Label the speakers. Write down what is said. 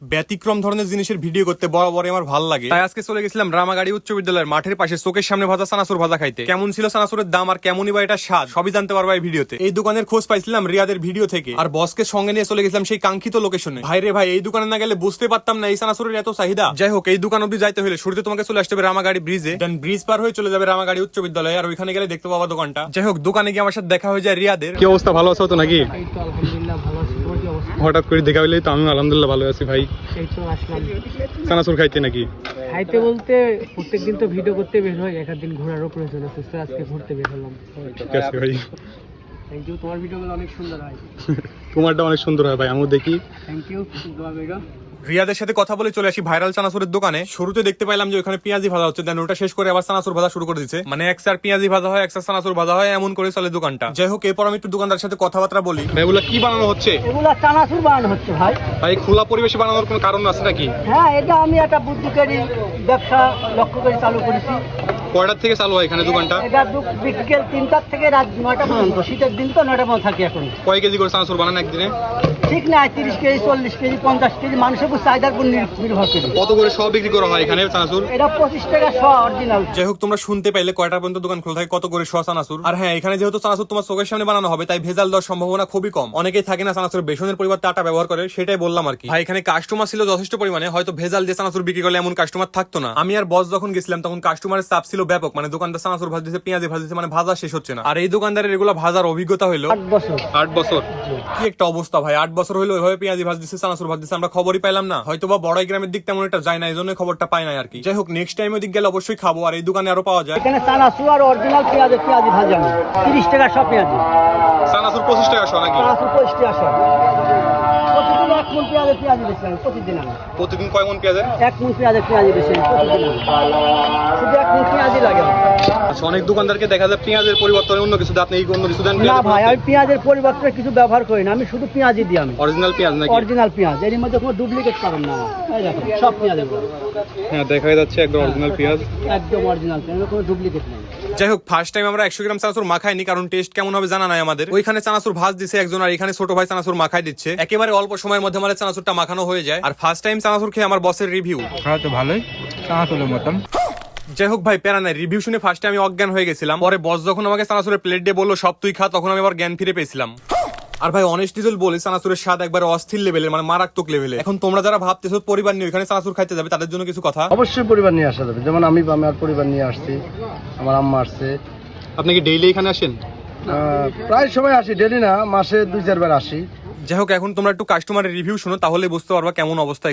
Speaker 1: ব্যতিক্রম ধরনের জিনিসের ভিডিও করতে বরাবর আমার ভালো লাগে, তাই আজকে চলে গেছিলাম রামাগাড়ি উচ্চ বিদ্যালয়ের মাঠের পাশে চোখের সামনে ভাজা চানাচুর ভাজা খাইতে। কেমন ছিল চানাচুরের দাম আর কেমনই বা এটা স্বাদ সবই জানতে পারবা এই ভিডিওতে। এই দোকানের খোঁজ পাইছিলাম রিয়াদের ভিডিও থেকে, আর বসকে সঙ্গে নিয়ে চলে গেছিলাম সেই কাঙ্ক্ষিত লোকেশনে। ভাই রে ভাই, এই দোকানে না গেলে বুঝতে পারতাম না এই চানাচুরের এত চাহিদা। যাই হোক, এই দোকান অব্দি যাইতে হলে শুরুতে তোমাকে চলে আসতে হবে রামাগাড়ি ব্রিজে, দেন ব্রিজ পার হয়ে চলে যাবে রামাগাড়ি উচ্চ বিদ্যালয়, আর ওইখানে গেলে দেখতে পাবা দোকানটা। যাই হোক, দোকানে গিয়ে আমার সাথে দেখা হয়ে যায় রিয়াদের। কি অবস্থা, ভালো আছো তো নাকি?
Speaker 2: এই তো আলহামদুলিল্লাহ ভালো আছি। তোমার কি অবস্থা?
Speaker 1: হঠাৎ করে দেখা হইলেই তো আমি আলহামদুলিল্লাহ ভালো আছি ভাই।
Speaker 2: এই তো আসলাম
Speaker 1: চানাচুর খাইতে নাকি?
Speaker 2: খাইতে বলতে প্রত্যেকদিন তো ভিডিও করতে বের হয়, এক দিন ঘোরারও প্রয়োজন আছে, তো আজকে ঘুরতে বের হলাম।
Speaker 1: ঠিক আছে ভাই,
Speaker 2: থ্যাংক ইউ, তোমার ভিডিওগুলো অনেক সুন্দর হয়।
Speaker 1: তোমারটা অনেক সুন্দর হয় ভাই, আমিও দেখি।
Speaker 2: থ্যাংক ইউ, দোয়া কইরো।
Speaker 1: রিয়াদের সাথে কথা বলে চলে আসি ভাইরাল চানাচুরের দোকানে। শুরুতে দেখতে পাইলাম যে ওখানে পেঁয়াজি ভাজা হচ্ছে, দেন ওটা শেষ করে আবার চানাচুর ভাজা শুরু করে দিচ্ছে। মানে এক সার পেঁয়াজি ভাজা হয়, এক সার চানাচুর ভাজা হয়, এমন করে চলে দোকানটা। যাই হোক, এরপর আমি একটু দোকানদার সাথে কথাবার্তা বলি। এগুলো কি বানানো হচ্ছে?
Speaker 2: এগুলা চানাচুর বানানো হচ্ছে ভাই।
Speaker 1: ভাই, খোলা পরিবেশে বানানোর কোনো কারণ আছে নাকি?
Speaker 2: হ্যাঁ, এটা আমি একটা বুদ্ধিকারী ব্যবসা লক্ষ্য করে চালু করেছি।
Speaker 1: কয়টার থেকে চালু হয় এখানে দোকানটা?
Speaker 2: এটা বিকেল 3টার থেকে রাত 9টা পর্যন্ত। শীতের দিন তো 9টা পর্যন্ত থাকি এখন।
Speaker 1: কয় কেজি করে চানাচুর বানান একদিনে?
Speaker 2: ঠিক না, 30 কেজি, 40 কেজি, 50 কেজি, মানুষের উপর চাহিদার উপর নির্ভর করে।
Speaker 1: কত করে সব বিক্রি করা হয় এখানে চানাচুর?
Speaker 2: এটা 25 টাকা শ অরিজিনাল।
Speaker 1: যাই হোক, তোমরা শুনতে পাইলে কয়টা পর্যন্ত দোকান খোলা থাকে, কত করে শ চানাচুর। আর হ্যাঁ, এখানে যেহেতু চানাচুর তোমার চোখের সামনে বানানো হবে, তাই ভেজাল দেওয়ার সম্ভাবনা খুবই কম। অনেকেই থাকে না চানাচুর বেসনের পরিবর্তে আটা ব্যবহার করে, সেটাই বললাম আর কি। ভাই, এখানে কাস্টমার ছিল যথেষ্ট পরিমাণে, হয়তো ভেজাল দিয়ে চানাচুর বিক্রি করলে এমন কাস্টমার থাকতো না। আমি আর বস যখন গেছিলাম তখন কাস্টমারের চাপ ছিল ব্যাপক। মানে দোকানদার চানাচুর ভাজতেছে, পেঁয়াজি ভাজতেছে, মানে ভাজা শেষ হচ্ছে না। আর এই দোকানদারের এগুলো ভাজার অভিজ্ঞতা হলো
Speaker 2: 8 বছর।
Speaker 1: 8 বছর? কি একটা অবস্থা ভাই, 8 বছর হলো ওইভাবে পেঁয়াজি ভাজতেছে, চানাচুর ভাজতেছে, আমরা খবরই পাইলাম না। হয়তো বা বড়াই গ্রামের দিক তেমন একটা যায় না, এই জন্য খবরটা পাই না আর কি। যাই হোক, নেক্সট টাইম ওই দিক গেলে অবশ্যই খাবো। আর এই দোকানে আরো পাওয়া যায়
Speaker 2: এখানে চানাচুর আর অরিজিনাল পেঁয়াজি ভাজা 30 টাকা সব পেঁয়াজি।
Speaker 1: চানাচুর 25 টাকা শো নাকি?
Speaker 2: চানাচুর 25 টাকা সব। প্রতিদিন 1 মণ পেঁয়াজি বেচি আমি, প্রতিদিন আমি।
Speaker 1: প্রতিদিন কয় মণ পেঁয়াজের?
Speaker 2: 1 মণ পেঁয়াজি বেচি আমি প্রতিদিন আমি। শুধু 1 মণ পেঁয়াজি লাগে আমার।
Speaker 1: আচ্ছা, অনেক দোকানদারকে দেখা যায় পেঁয়াজের পরিবর্তনে অন্য কিছু দেন, আপনি এই অন্য কিছু দেন?
Speaker 2: না ভাই, আমি পেঁয়াজের পরিবর্তে কিছু ব্যবহার করি না, আমি শুধু পেঁয়াজি দিই আমি।
Speaker 1: অরিজিনাল পেঁয়াজ নাকি?
Speaker 2: অরিজিনাল পেঁয়াজ, এর মধ্যে কোনো ডুপ্লিকেট পাবেন না। এই দেখুন সব পেঁয়াজের মধ্যে।
Speaker 1: হ্যাঁ, দেখা যাচ্ছে একদম অরিজিনাল পেঁয়াজ,
Speaker 2: একদম অরিজিনাল পেঁয়াজ, কোনো ডুপ্লিকেট নেই।
Speaker 1: যাই হোক, ফার্স্ট টাইম আমরা 100 গ্রাম চানাচুর মাখাইনি, কারণ টেস্ট কেমন হবে জানা নাই আমাদের। ওইখানে চানাচুর ভাজ দিছে একজন, আর এখানে ছোট ভাই চানাচুর মাখাই দিচ্ছে। একেবারে অল্প সময়ের মধ্যে আমাদের চানাচুরটা মাখানো হয়ে যায়। আর ফার্স্ট টাইম চানাচুর খেয়ে আমার বসের রিভিউ।
Speaker 3: খাওয়া তো ভালোই, চানাচুরের মতন।
Speaker 1: যাই হোক ভাই, প্যারা নাই। রিভিউ শুনে ফার্স্টে আমি অজ্ঞান হয়ে গেছিলাম, পরে বস যখন আমাকে চানাচুরের প্লেট দিয়ে বললো সব তুই খা, তখন আমি আবার জ্ঞান ফিরে পেয়েছিলাম। আর ভাই, অনেস্টলি বলে চানাচুরের স্বাদ একবার অস্থির লেভেলের, মানে মারাত্মক লেভেলে। এখন তোমরা যারা ভাবতেছো পরিবার নিয়ে এখানে চানাচুর খাইতে যাবে, তাদের জন্য কিছু কথা।
Speaker 4: অবশ্যই পরিবার নিয়ে আসা যাবে, যেমন আমি আর পরিবার নিয়ে আসছি, আমার আম্মা আসছে।
Speaker 1: আপনি কি ডেইলি এখানে আসেন?
Speaker 4: প্রায় সময় আসি, ডেলি না, মাসে 2-4 বার আসি।
Speaker 1: যাই হোক, এখন তোমরা একটু কাস্টমারের রিভিউ শোনো, তাহলে বুঝতে পারবা কেমন অবস্থা।